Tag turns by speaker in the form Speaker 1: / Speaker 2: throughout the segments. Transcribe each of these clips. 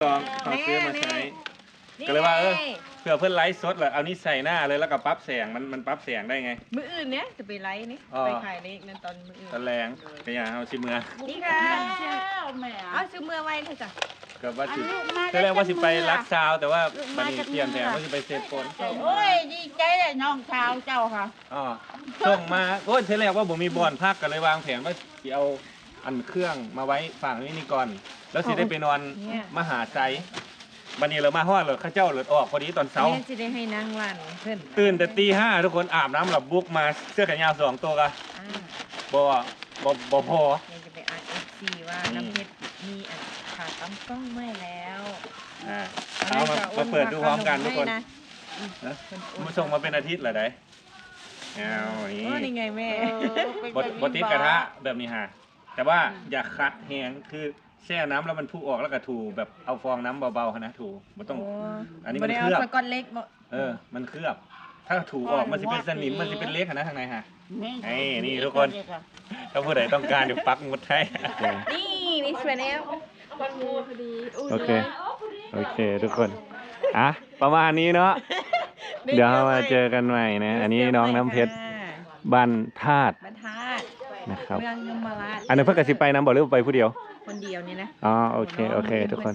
Speaker 1: ลองเขาซื้อมาใช้ก็เลยว่าเผื่อเพื่อนไลฟ์สดเหรอเอานี่ใส่หน้าเลยแล้วก็ปรั๊บแสงมันปรั๊บแสงได้ไง
Speaker 2: มืออื่นเนี้ยจะไปไลฟ์นี่ไปขายนี่นั่นตอนมืออื่น
Speaker 1: ตอนแรงก็อย่างเอาชิเมือ
Speaker 2: นี่ค่ะเอาซื้อเมื่อไว้เลยจ้ะ
Speaker 1: ก็ว่าสิตอนแรกว่าสิไปรักซาวแต่ว่าบัดนี้เปลี่ยนแผนว่าสิไปเซฟโฟน
Speaker 3: โอ้ยดีใจเลยน้องชาวเจ้าค่ะ
Speaker 1: อ๋อส่งมาโอ้ยทีแรกว่าผมมีบอลพักก็เลยวางแผนว่าสิเอาอันเครื่องมาไว้ฝั่งนี้ก่อนแล้วสิได้ไปนอนมหาไซบันนี้เรามาฮอดเลยข้าเจ้าเลือดออกพอดีตอนเช้า
Speaker 2: เนี่ยจะได้ให้นางวันเพื่อน
Speaker 1: ตื่นแต่ตี 5ทุกคนอาบน้ำหลับบุกมาเสื้อแขนยาว2 ตัวกันบ่พอ
Speaker 2: เนี่ยจะไปอ่านซีว่าน้ำเพชรมีขาตั้มกล้องไม่แล้ว
Speaker 1: เอามาเปิดดูพร้อมกันทุกคนนะมาส่งมาเป็นอาทิตย์เหรอได้เอา
Speaker 2: นี่ไงแม่
Speaker 1: บดติดกระทะแบบนี้ฮะแต่ว่าอย่าคัดแห้งคือแช่น้ำแล้วมันพุ่งออกแล้วก็ถูแบบเอาฟองน้ำเบาๆนะถูมันต้องอันนี้มันเคลือบมันเคลือบถ้าถูออกมันจะเป็นสนิมมันจะเป็นเล็กนะทางในฮะนี่ทุกคนถ้าผู้ใดต้องการเดี๋ยวปักหมุดให้
Speaker 2: นี่สวยแล้ว
Speaker 1: โอเคทุกคนประมาณนี้เนาะเดี๋ยวมาเจอกันใหม่นะอันนี้น้องน้ำเพชรบ้านธาตุนะครับ
Speaker 2: เมืองยมราช
Speaker 1: อันนี้เพื่อนกระซิบไปน้ำบอกหรือไปผู้เดียว
Speaker 2: คนเดียวนี่นะ
Speaker 1: อ๋อโอเคทุกคน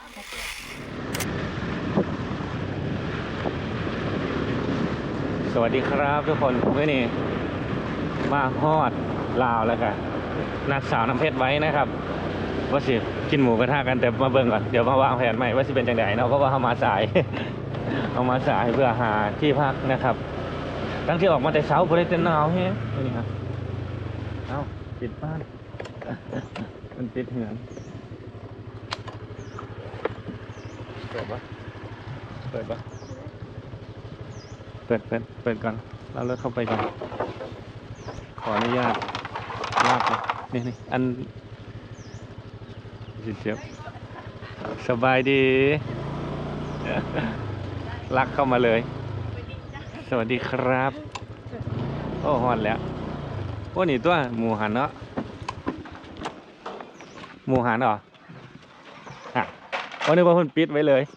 Speaker 1: สวัสดีครับทุกคนเมื่อนี้มาฮอดลาวแล้วกันนักสาวน้ำเพชรไว้นะครับว่าสิกินหมูกระทะกันแต่มาเบิ่งก่อนเดี๋ยวมาวางแผนใหม่ว่าสิเป็นจังไดเนาะเพราะว่าเขามาสาย เอามาสายเพื่อหาที่พักนะครับตั้งที่ออกมาแต่เช้าพอได้เต้นหนาวแฮะนี่ครับปิดบ้านมันปิดเหือนเปิดปะเปิดก่อนเราเลิกเข้าไปก่อนขออนุญาตลากเลยนี่อันเจ็บสบายดีลักเข้ามาเลยสวัสดีครับโอ้ฮอนแล้วโอ้นี่ตัวหมูหันเนาะหมูหันเหรอวันนี้ว่าคนปิดไว้เลย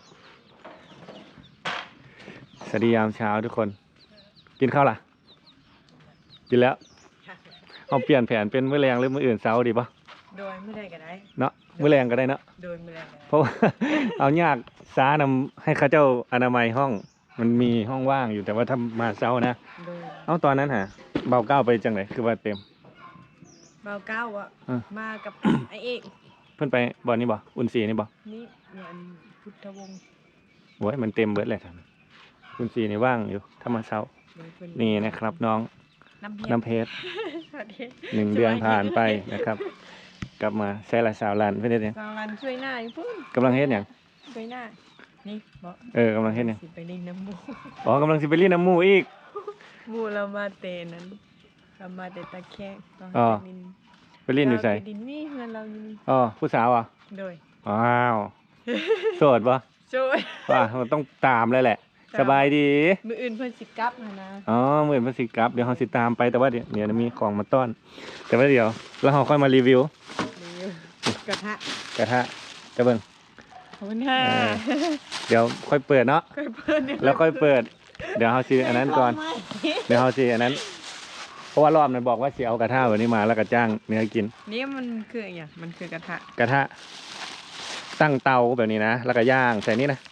Speaker 1: สวัสดียามเช้าทุกคนกินข้าวล่ะกินแล้วเอาเปลี่ยนแผนเป็นมื้อแรงหรือมื้ออื่นเช้าดีปะ
Speaker 2: โดยมื้อใดก็ได้
Speaker 1: เนาะมื้อแรงก็ได้เนาะ
Speaker 2: โดยมื้อแรง
Speaker 1: เพราะเอายากซ้านำให้ข้าเจ้าอนามัยห้องมันมีห้องว่างอยู่แต่ว่าถ้ามาเช้านะเอาตอนนั้นเบาเก้าไปจังไหนคือว่าเต็ม
Speaker 2: เบาเก้าอ่ะมากับไอเอก
Speaker 1: เพิ่นไปบ่อนี้บ่อุ่นสีนี่บ่
Speaker 2: นี่เนี่ยพุทธวงศ์
Speaker 1: โอ้ยมันเต็มเบิดเลยท่านอุ่นสีนี่ว่างอยู่ถ้ามาเช้านี่นะครับน้องน้ำเพชร1 เดือนผ่านไปนะครับกลับมาใช้ละสาวลันเพื่อนเนี่ย
Speaker 2: สาวลันช่วยหน้าอยู่พุ่น
Speaker 1: กำลังเฮ็ดอย่าง
Speaker 2: ช่วยหน้านี่บอก
Speaker 1: กำลังเฮ็ดอย่าง
Speaker 2: ไปเล่นน้ำมู
Speaker 1: กำลังสิไปเล่นน้ำมูอีก
Speaker 2: มูเรามาเตนนั้นเรามาเตตะแคง
Speaker 1: ไปเล่นอยู่ใส่
Speaker 2: ดินนี่เงินเรา
Speaker 1: ผู้สาวอ่ะ
Speaker 2: โดย
Speaker 1: โสดปะ
Speaker 2: โสด
Speaker 1: มันต้องตามเลยแหละสบายดี
Speaker 2: มืออื่นเพิ่นสิกับนะ
Speaker 1: มืออื่นเพิ่นสิกับเดี๋ยวเขาสิตามไปแต่ว่าเดี๋ยวมีของมาต้อนแต่ว่าเดี๋ยวแล้วเขาค่อยมารีวิว
Speaker 2: กระทะ
Speaker 1: จะเบิ่ง
Speaker 2: ขอบคุณค่ะ
Speaker 1: เดี๋ยวค่อยเปิดเนาะแล้วค่อยเปิดเดี๋ยวเขาสิอันนั้นก่อนเดี๋ยวเขาสิอันนั้นเพราะว่ารอบนั้นบอกว่าสิเอากระทะแบบนี้มาแล้วก็จ้างเนื้อกิน
Speaker 2: นี่มันคืออะไรมันคือกระ
Speaker 1: ทะตั้งเตาแบบนี้นะแล้วก็ย่างใส่นี่นะ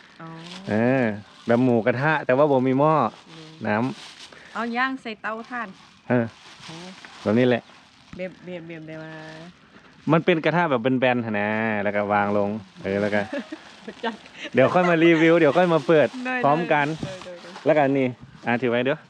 Speaker 1: แบบหมูกระทะแต่ว่าบ่มีหม้อน้
Speaker 2: ำเอาย่างใส่เตาถ่าน
Speaker 1: แบบนี้แหละ
Speaker 2: เบียบได้มา
Speaker 1: มันเป็นกระทะแบบแบนๆนะแล้วก็วางลงแล้วก็เดี๋ยวค่อยมารีวิวเดี๋ยวค่อยมาเปิดพร้อมกันแล้วกันนี่ถือไว้เด้อ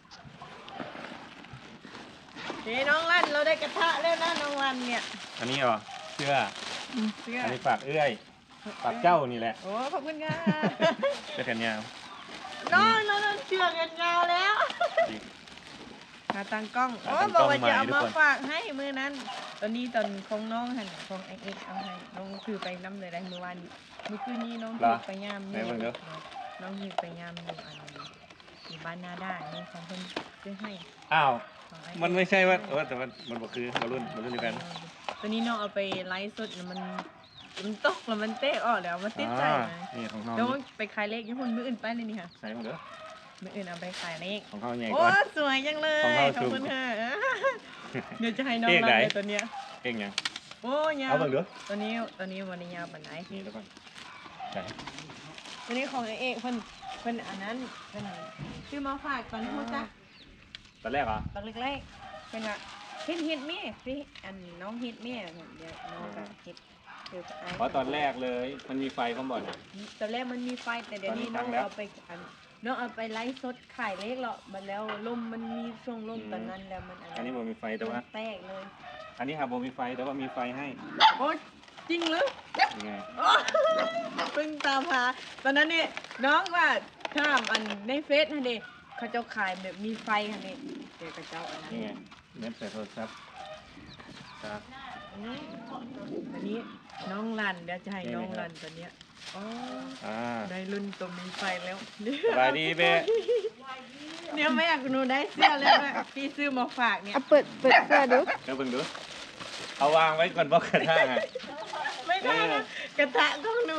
Speaker 2: น้องลั่นเราได้กระทะแล้วนะน้องลั่นเนี่ย
Speaker 1: อันนี้เสื้ออันนี้ฝากเอื้อยฝากเจ้านี่แหละ
Speaker 2: โอ้ขอบคุณค่ะ
Speaker 1: เสื้อแขนยาว
Speaker 2: น้องเชือกกันยาวแล้วมาตั้งกล้องบอกว่าจะเอามาฝากให้มือนั้นตอนนี้ตอนของน้องหันของเอ็กเอาให้น้องถือไปน้ำเลยได้เมื่อวานเมื่อคืนนี้น้องถือไปย่ามนี่น้องถือไปย่ามอยู่บ้านนาได้นี่ของเพิ่นซื้อให้
Speaker 1: มันไม่ใช่ว่าแต่มันบอกคือมารุ่นเดียวกัน
Speaker 2: ตัวนี้น้องเอาไปไลฟ์สดมันมันตกแล้วมันเตะออกแล้วมันติดใจไหม
Speaker 1: นี่ของเขา
Speaker 2: แล้วไปขายเลขญี่ปุ่นมืออื่นไปเลยนี่ค่ะ
Speaker 1: ใส่ของเด้อ
Speaker 2: มืออื่นเอาไปขายเลข
Speaker 1: ของเขาใหญ่
Speaker 2: โอ้
Speaker 1: ก่อน
Speaker 2: สวยจังเลย
Speaker 1: ของเรา
Speaker 2: ขอบคุณ
Speaker 1: สูง
Speaker 2: ค่ะเดี๋ยวจะให้น้อง
Speaker 1: เลข
Speaker 2: รั
Speaker 1: ไหน
Speaker 2: นเลยตัวเนี้ย
Speaker 1: เก่งยัง
Speaker 2: โอ้ยาว
Speaker 1: เอาเบิ่งเด้อ
Speaker 2: ตัวนี้วันนี้ยาวปานไหน
Speaker 1: นี่แล้วก่อนใส่
Speaker 2: ตัวนี้ของเอกเพิ่นอันนั้นเพิ่นซื้อมาฝากตอนพูดจ้ะ
Speaker 1: ตอนแรกเหรอ
Speaker 2: ตอนเล็กๆเป็นอะฮิตแม่พี่อันน้องฮิตแม่เดี๋ยวน้องก็ฮิตเดี๋ยวไอ้
Speaker 1: เพราะตอนแรกเลยมันมีไฟข้างบนอ่ะ
Speaker 2: ตอนแรกมันมีไฟแต่เดี๋ยวนี้
Speaker 1: ตอนนี้
Speaker 2: น้อง
Speaker 1: ตั้งแล้ว
Speaker 2: เอาไปน้องเอาไปไลฟ์สดขายเลขหรอกมันแล้วลมมันมีช่วงลมตอนนั้นแล้วมัน
Speaker 1: อันนี้มันมีไฟแต่ว่า
Speaker 2: แตกเลย
Speaker 1: อันนี้ครับผมมีไฟแต่ว่ามีไฟให้
Speaker 2: โอ้จริงหรือ
Speaker 1: ยังไง
Speaker 2: โอ้เพิ่งตามหาตอนนั้นนี่น้องว่าถ้ามอันในเฟซนั่นเองเขาเจ้าขายแบบมีไฟนั่นเองเดี๋ยวเขาเจ้าอันนั้น
Speaker 1: นี่ไงเน็ตใส่โทรศัพท์ครับ
Speaker 2: อันนี้น้องรันเดี๋ยวจะให้
Speaker 1: นี่
Speaker 2: น้อง
Speaker 1: นะครับ
Speaker 2: รันตัวเนี้ยอ๋อ
Speaker 1: อ่า
Speaker 2: ได้รุ่นตัวมีไฟแล้ว
Speaker 1: สบายดีเบ้
Speaker 2: เนี่ยแม่หนูได้เสื้อแล้วแม่พี่ซื้อมาฝากเนี่ย
Speaker 3: เอาเปิดเสื้อดู
Speaker 1: เดี๋ยวเบิ่งดูเอาวางไว้ก่อนบอกกระทะไง
Speaker 2: ไม่ได้นะกระทะของหนู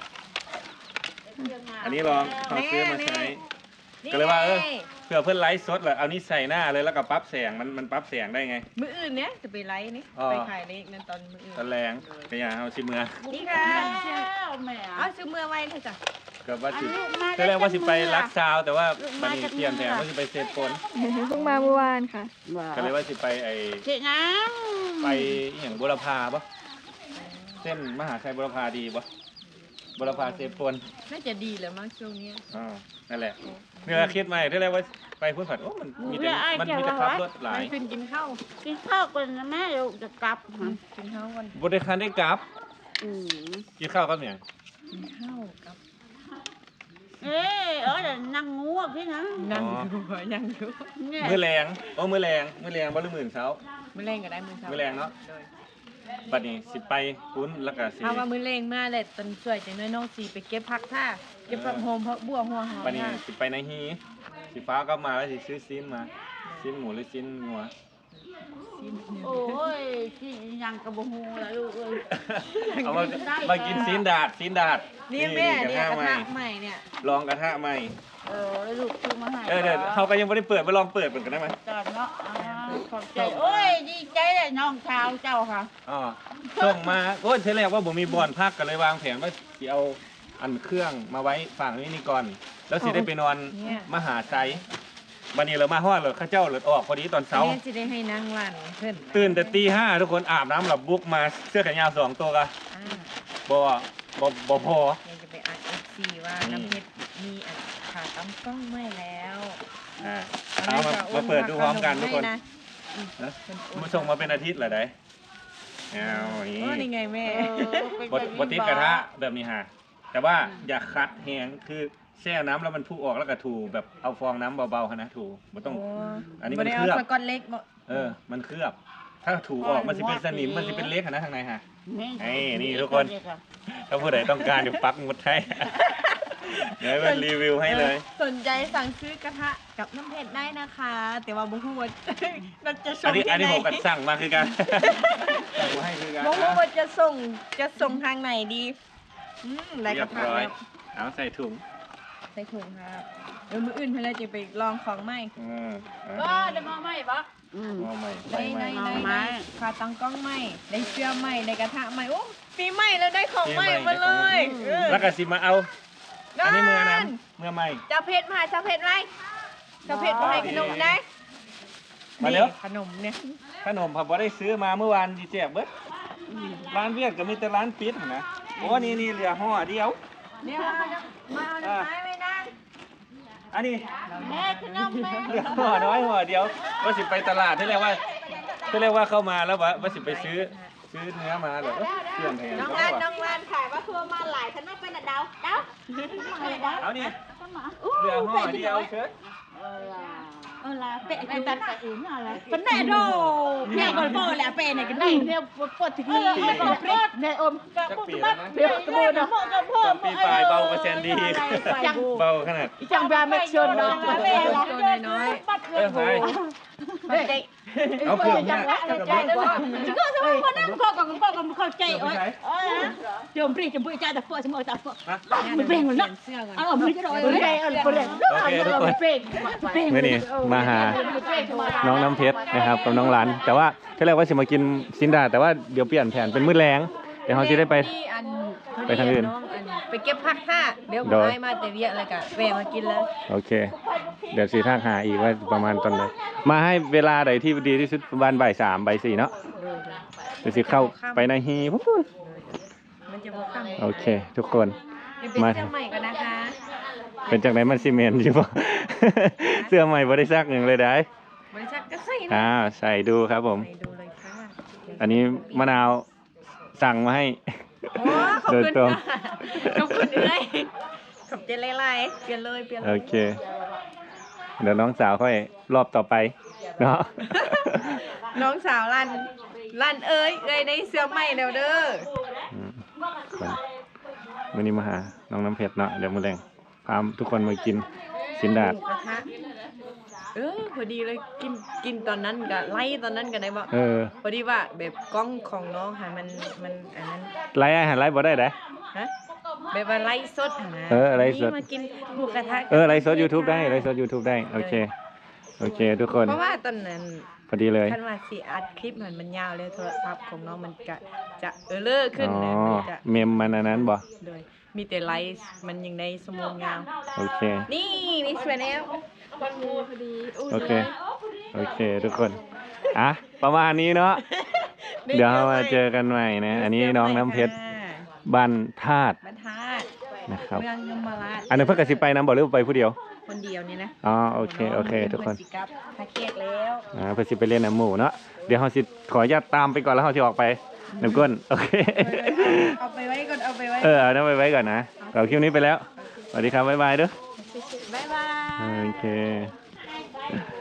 Speaker 1: อันนี้ลองเอาซื้อมาใช้
Speaker 2: นี่
Speaker 1: ก็เลยว่า
Speaker 2: ไง
Speaker 1: เพื่อเพื่อนไลฟ์สดเหรอเอานี่ใส่หน้าเลยแล้วก็ปรั๊บแสงมันปรั๊บแสงได้ไง
Speaker 2: มื้ออื่นเนี่ยจะไปไลฟ์นี่
Speaker 1: อ๋อ
Speaker 2: ไปขายเลขนั่นตอนมื้ออื่น
Speaker 1: ตอนแรงก็อย่าเอาชิเมือ
Speaker 2: นี่ค่ะ
Speaker 3: แม่
Speaker 2: เอาซื้อเมื่อไว้เลยจ้ะ
Speaker 1: ก็ว่าสิ
Speaker 3: ลูกมา
Speaker 1: ตอนแรกว่าสิไปรัก
Speaker 3: ษา
Speaker 1: ซาวแต่ว่า
Speaker 3: ลูก
Speaker 1: บั
Speaker 3: มา
Speaker 1: ดนี้
Speaker 3: จาก
Speaker 1: เตรียมแทน
Speaker 3: เมือง
Speaker 1: ว่าสิไปเซฟปน
Speaker 4: เพิ่งมาเมื่อวานค่ะ
Speaker 1: ก็เลยว่าสิไปไอ
Speaker 3: เจ๊น้
Speaker 1: ไปอหย่างบุรพาปะเส้นมหาชัยบุรพาดีปะบุรพาเซฟปน
Speaker 2: น่าจะดีแล้วมั้งช่วงเนี้ย
Speaker 1: อ๋อนั่นแหละเนี่ยคิดใหม่ที่แรกว่าไปพูดผัดโอ้มันมีแต่ขับรถหลา
Speaker 2: มั
Speaker 1: ย
Speaker 2: นขึ้นกินข้าว
Speaker 3: ำกินข้าวก่อนนะแม่เดี๋ยวจะกลับฮะ
Speaker 2: กินข้าวกัน
Speaker 1: บริการได้กลับ
Speaker 3: อืม
Speaker 1: กินข้าวกับเนี่ย
Speaker 2: กินข้าวกับ
Speaker 3: เดี๋ยวนั่งงูอ่ะพี่นะ
Speaker 2: นั่งอยู่ยังอยู่
Speaker 3: เนี่ย
Speaker 1: มือแรงโอ้มือแรงบ่หรือมื่นเช้า
Speaker 2: มื้อแรงก็ได้มื้อเช้า
Speaker 1: มื้อแรงเนาะ บัดนี้สิไปปุ้นแล้วก็สิ
Speaker 2: ถ้าว่ามื้อแรงมาเลยตอนช่วยจังน้อยน้องสิไปเก็บผักท่าเก็บผักโฮมผักบัวหัวหอม
Speaker 1: บัดนี้
Speaker 2: ท่า
Speaker 1: สิไปในฮีสิฟ้ากลับมาแล้วสิซื้อซีนมาซีนหมูหรือซีนงัว
Speaker 3: โอ้ยที่ยังกระบหูแล้วลูกเอ้ย
Speaker 1: เอามากินซีนดาด
Speaker 2: นี่แม่เนี่ยกระทะ
Speaker 1: ใหม่
Speaker 2: ใหม่เนี่ย
Speaker 1: ลองกระทะใหม่
Speaker 3: ลูกซื้อมาให้
Speaker 1: เดี๋ยวเขาก็ยังไม่ได้เปิดไปลองเปิดกันได้ไหม
Speaker 3: จอดเนาะขอบใจโอ้ยดีใจเลยน้องชาวเจ้าค่ะ
Speaker 1: อ๋อส่งมาโอ้ยเทแรกว่าผมมีบอลพักก็เลยวางแผนว่าสิเอาอันเครื่องมาไว้ฝั่งนี้นี่ก่อน แล้วสิได้ไปนอนมหาไซบันนี้เรามาฮอดเลยข้าเจ้าเลยออกพอดีตอนเช้า
Speaker 2: แม่จะได้ให้นางวันเพิ่น
Speaker 1: ตื่นแต่ตี 5ทุกคนอาบน้ำหลับบุกมาเสื้อแขนยาว2 ตัวกะ
Speaker 2: อ่า
Speaker 1: บ่พอ
Speaker 2: เดี๋ยวจะไปอัด FC ว่าน้ำเพชรมีอันขาตั้งกล้องไม่แล้ว
Speaker 1: อ่าเอามาเปิดดูพร้อมกันทุกคน
Speaker 2: ให้ะ
Speaker 1: นะมาส่งมาเป็นอาทิตย์เหรอได้เอาอย่าง
Speaker 2: โอ้
Speaker 1: นี้
Speaker 2: นี่ไงแม่
Speaker 1: บดติดกระทะแบบนี้ฮะแต่ว่าอย่าคัดแห้งคือแช่น้ำแล้วมันพุ่งออกแล้วก็ถูแบบเอาฟองน้ำเบาๆนะถูมันต้อง อันนี้มัน
Speaker 2: บ่ได้
Speaker 1: เคลือบ
Speaker 2: สกอตเล็กบ่
Speaker 1: มันเคลือบ ถ้าถูออกมันสิเป็นสนิมมันสิเป็นเล็กอะนะข้างในฮะ นี่ทุกคน ถ้าผู้ใดต้องการเดี๋ยวปักหมุดให้ เดี๋ยวให้มันรีวิวให้เลย
Speaker 2: สนใจสั่งซื้อกระทะกับน้ำเพชรได้นะคะ แต่ว่าบ่ฮู้ว่า เราจะส่
Speaker 1: อั
Speaker 2: ง
Speaker 1: นนี้
Speaker 2: ที่
Speaker 1: อัน
Speaker 2: ไหน
Speaker 1: นี้ผมกัดสั่งมาคือกันสั่งมาให้คือกัน
Speaker 2: บ่ฮู้ว่าจะส่งทางไหนดีได้ก
Speaker 1: เรีย
Speaker 2: ระ
Speaker 1: บ
Speaker 2: ทะ
Speaker 1: ร้อย
Speaker 2: แล้ว
Speaker 1: เอาใส่ถุง
Speaker 2: ใส่ถุงครับเดี๋ยวมื้ออื่นเพิ่นเลยจะไปลองของใหม่
Speaker 3: ก็ได้มาไหมปะ
Speaker 1: เอาใหม่
Speaker 2: ได้
Speaker 1: ใหม่
Speaker 3: เอาไหม
Speaker 2: ขาตั้งกล้องใหม่ ได้เสื้อใหม่ ได้กระทะใหม่ โอ้ปีใหม่แล้วได้ของใหม่มาเลยเออ
Speaker 1: แล้วก็สิมาเอา อันนี้เมื่อ
Speaker 2: นั่
Speaker 1: นั้น เมื่อใหม่
Speaker 2: เจ้าเพชรมาเจ้าเพชรไหมเจ้าเพชรมาให้ขนมได้
Speaker 1: มาเร็ว
Speaker 2: ขนมเนี่ย
Speaker 1: ขนมผมบ่ได้ซื้อมาเมื่อวานดีแจกเบิดร้านเวียดก็มีแต่ร้านปิดนะโอ้นี่เหลือห่อเดียว
Speaker 2: เนี่ยมาเอาน้ำไม้ไม่ได้
Speaker 1: อันนี้
Speaker 3: แม่ขนมแม่
Speaker 1: เหลือห่อน้อยห่อเดียวว่าสิไปตลาดที่เรียกว่าเข้ามาแล้วว่าสิไปซื้อเนื้อมาเหรอเครื่องแทน
Speaker 2: น้อง
Speaker 1: เขา
Speaker 2: ลาน
Speaker 1: ว่า
Speaker 2: น้องลานขายว่าทัวมาหลายฉันไม่เป็นดาว
Speaker 1: เอานี่เหลือห่อเดียวเชิญ
Speaker 3: là bệ này đặt cả yến là vấn đề đồ mẹ còn bò là bệ này cái này theo bột thịt này ôm
Speaker 1: จักปีแล้วนะ
Speaker 3: bột nó mọ cái
Speaker 1: สองปีปลายเบากว่าแซนดี้เบาขนาด
Speaker 3: chẳng ba mẹ sơn đó
Speaker 2: ตัวน้อย
Speaker 1: เออไป
Speaker 2: มันใจ
Speaker 1: เอาเครื่องเนี่ย
Speaker 3: ก็สมมติว่านั่งก็เข้าใจโอ้ยจมปรีจมปุยใจแต่พวกสมมติแต่พวกมันเปล่งหมดแล้วเอาไม่จะรอยเลยเอาเปล่ง
Speaker 1: โอเคทุกคนเมื่อนี้มาหาน้องน้ำเพชรนะครับกับน้องหลานแต่ว่าที่แรกว่าจะมากินซินดาแต่ว่าเดี๋ยวเปลี่ยนแผนเป็นมื้อแรงเดี๋ยวเขาจะได้ไปทางอื่น
Speaker 2: ไปเก็บผักค่ะเดี๋ยวผมให้มาแต่เวียอะไรกันแวะมากินเลย
Speaker 1: โอเค เดี๋ยวสีทางหาอีกว่าประมาณตอนไหนมาให้เวลาใดที่ดีที่สุดประมาณบ่าย 3 บ่าย 4เนาะเดี๋ยวสิเข้าไปในฮีปุ๊บ
Speaker 2: มันจะบอกคำ
Speaker 1: โอเค ทุกคน
Speaker 2: เป็นเสื้อใหม่กันนะคะ
Speaker 1: เป็นจากไหนมันซีเมนต์อยู่ปะ เสื้อใหม่บ่ได้ซักหนึ่งเลยได้
Speaker 2: บริษัทก็ใส่นะ
Speaker 1: ใส่ดูครับผม
Speaker 2: ใส่ดูเลยค่ะ
Speaker 1: อันนี้มะนาวสั่งมาให้
Speaker 2: โอ้ขอบ
Speaker 1: โดย
Speaker 2: คุณ
Speaker 1: ตรง
Speaker 2: ค่ะขอบคุณเลยขอบใจไล่ๆเปลี่ยนเลยเปลี่ยนเล
Speaker 1: โอย เค เดี๋ยวน้องสาวค่อยรอบต่อไปเนาะ
Speaker 2: น้องสาวลั่นเอ้ยได้เสื้อใหม่แล้วเด้อ
Speaker 1: วันนี้มาหาน้องน้ำเพชรเนาะเดี๋ยวมื้อแรงพาทุกคนมากินสินดาด
Speaker 2: หมูกระทะพอดีเลยกินตอนนั้นกับไล่ตอนนั้นกันได้บ่ พอดีว่าแบบกล้องของน้องค่ะมันอันนั้น
Speaker 1: ไลฟ์อาหารไลฟ์บ่ได้เด้
Speaker 2: ฮะแบบว่าไล่สดนะ
Speaker 1: ไลฟ์สด
Speaker 2: นี่มากินหมูกระทะ
Speaker 1: ไลฟ์สด YouTube ได้ไลฟ์สด YouTube ได้โอเคโอเค ทุกคน
Speaker 2: เพราะว่าตอนนั้น
Speaker 1: พอดีเลย
Speaker 2: ท่านว่าสิอัดคลิปมันยาวเลยโทรศัพท์ของน้องมันจะเลิกขึ้นนะมันจะ
Speaker 1: เมมมันอันนั้นบ่
Speaker 2: เลยมีแต่ไลฟ์มันยังในสมองยาว
Speaker 1: โอเค
Speaker 2: นี่มีสวยแล้ว
Speaker 1: โอเคโอเค ทุกคนประมาณนี้เนาะเดี๋ยวเรามาเจอกันใหม่นะอันนี้น้องน้ำเพชรบ้านธาตุ
Speaker 2: บรรทัด
Speaker 1: นะครับ
Speaker 2: เมืองยมราช
Speaker 1: อันนี้เพิ่งกระสิไปน้ำบ่หรือไปผู้เดียว
Speaker 2: คนเดียวนี่นะ
Speaker 1: โอเคโอเค ทุกคน
Speaker 2: สิกลับพาเกตแล้ว
Speaker 1: เพื่อสิไปเล่นน้ำหมูเนาะเดี๋ยวเราสิขออนุญาตตามไปก่อนแล้วเราสิออกไปน้ำก้นโอเค
Speaker 2: เอาไปไว้ก่อนเอาไปไว้
Speaker 1: เอาน้ำไปไว้ก่อนนะเราคลิปนี้ไปแล้วสวัสดีครับบ๊ายบายเด้อ
Speaker 2: บ๊ายบาย
Speaker 1: โอเค